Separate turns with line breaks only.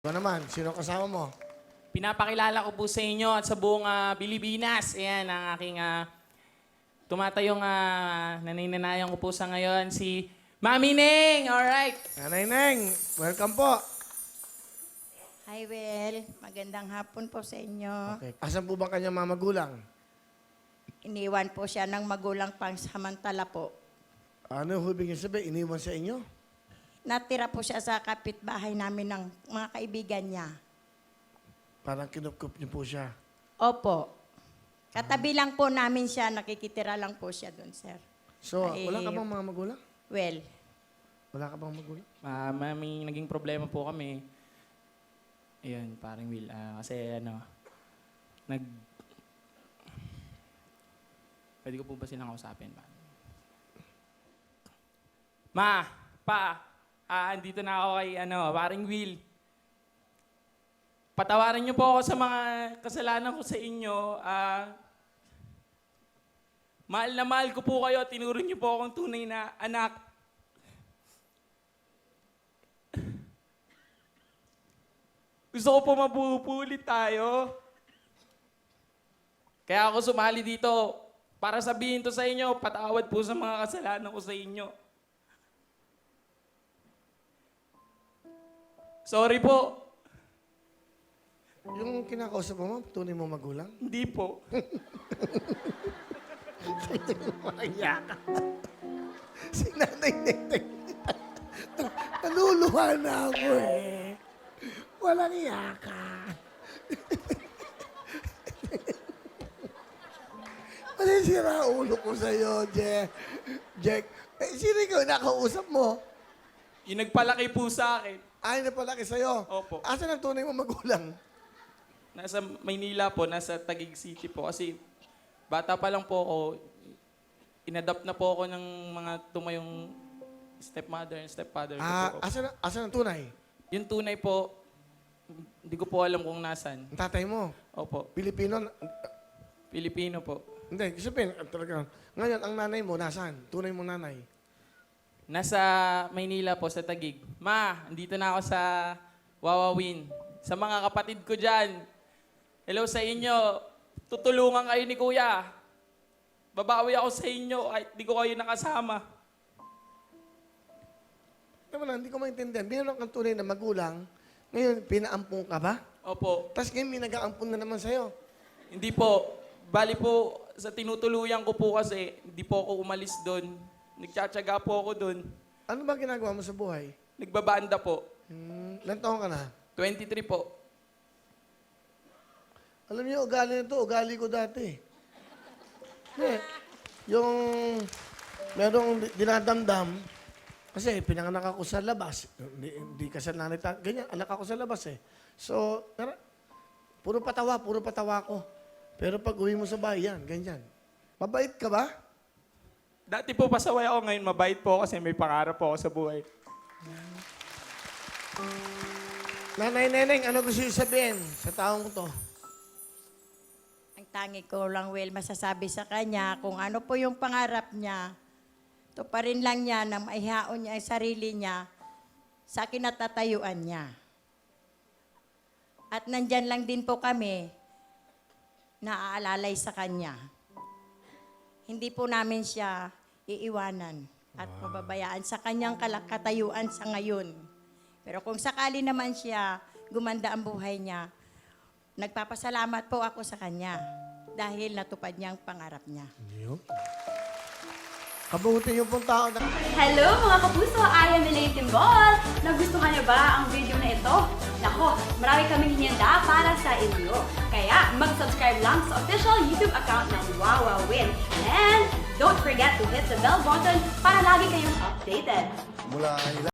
Ikaw naman, sino kasama mo?
Pinapakilala ko po sa inyo at sa buong Pilipinas. Ayan, ang aking tumatayong naninanayan ko po sa ngayon, si Mami Neng! Alright!
Nanay Neng, welcome po.
Hi, Will. Magandang hapon po sa inyo.
Okay. Asan po ba kanyang mga magulang?
Iniwan po siya ng magulang pang samantala po.
Ano ibig sabihin? Iniwan sa inyo?
Natira po siya sa kapitbahay namin ng mga kaibigan niya.
Parang kinukup niyo po siya.
Opo. Katabi lang po namin siya, nakikitira lang po siya doon, sir.
So,
Ay,
wala ka bang mga magulang?
Well,
Wala ka bang magulang?
May naging problema po kami. Ayun, parang Will. Kasi Pwede ko po ba silang kausapin? Ma, pa, andito na ako kay parang Will. Patawarin niyo po ako sa mga kasalanan ko sa inyo. Mahal na mahal ko po kayo. Tinuro niyo po akong tunay na anak. Gusto ko po mabubulit tayo. Kaya ako sumali dito para sabihin to sa inyo, patawad po sa mga kasalanan ko sa inyo. Sorry po.
Yung kinakausap mo, tunay mo magulang?
Hindi po.
Maya ka. Si Nanay Neng. Naluluha na ako eh. Walang iya ka. Masisira ulo ko sa'yo, Jack. Eh, sino ikaw nakausap mo?
Yung nagpalaki po sa akin.
Ay, napalaki sa'yo.
Opo.
Asan ang tunay mo magulang?
Nasa Maynila po, nasa Taguig City po. Kasi bata pa lang po ako, inadapt na po ako ng mga tumayong stepmother and stepfather ko po.
Asan ang tunay?
Yung tunay po, hindi ko po alam kung nasan.
Ang tatay mo?
Opo,
Pilipino?
Pilipino po.
Hindi, sabihin, talaga. Ngayon, ang nanay mo, nasaan? Tunay mo nanay.
Nasa Maynila po, sa Taguig. Ma, andito na ako sa Wawawin. Sa mga kapatid ko dyan, hello sa inyo. Tutulungan kayo ni Kuya. Babawi ako sa inyo kahit di ko kayo nakasama.
Naman lang, hindi ko maintindihan. Binanong kang tunay na magulang, ngayon, pinaampong ka ba?
Opo.
Tapos ngayon, may nag-aampon na naman sa'yo.
Hindi po. Bali po, sa tinutuluyan ko po kasi, hindi po ako umalis doon. Nagtsatsaga po ako doon.
Ano ba ginagawa mo sa buhay?
Nagbabanda po.
Ilan taon ka na?
23 po.
Alam niyo, ugali nito, ugali ko dati. Yung merong dinadamdam, kasi pinanganak ako sa labas. Hindi kasalanan nita. Ganyan, anak ako sa labas eh. So, puro patawa ko. Pero pag uwi mo sa bahay, yan, ganyan. Mabait ka ba?
Dati po pasaway ako, ngayon mabait po kasi may pangarap po ako sa buhay.
Nanay Neneng, ano gusto niyo sabihin sa taong to?
ang tangi ko lang, Will, masasabi sa kanya kung ano po yung pangarap niya. Ito pa rin lang niya na maihaon niya ang sarili niya sa kinatatayuan niya. At nandyan lang din po kami naaalalay sa kanya. Hindi po namin siya iiwanan at mababayaan sa kanyang katayuan sa ngayon. Pero kung sakali naman siya gumanda ang buhay niya, nagpapasalamat po ako sa kanya dahil natupad niya ang pangarap niya.
Kabuti yung pong tao na...
Hello mga kapuso! I am Elaine Timbol! Nagustuhan niyo ba ang video na ito? Nako, marami kaming hinihanda para sa inyo. Kaya mag-subscribe lang sa official YouTube account ng Wawawin. And don't forget to hit the bell button para lagi kayong updated.
Mula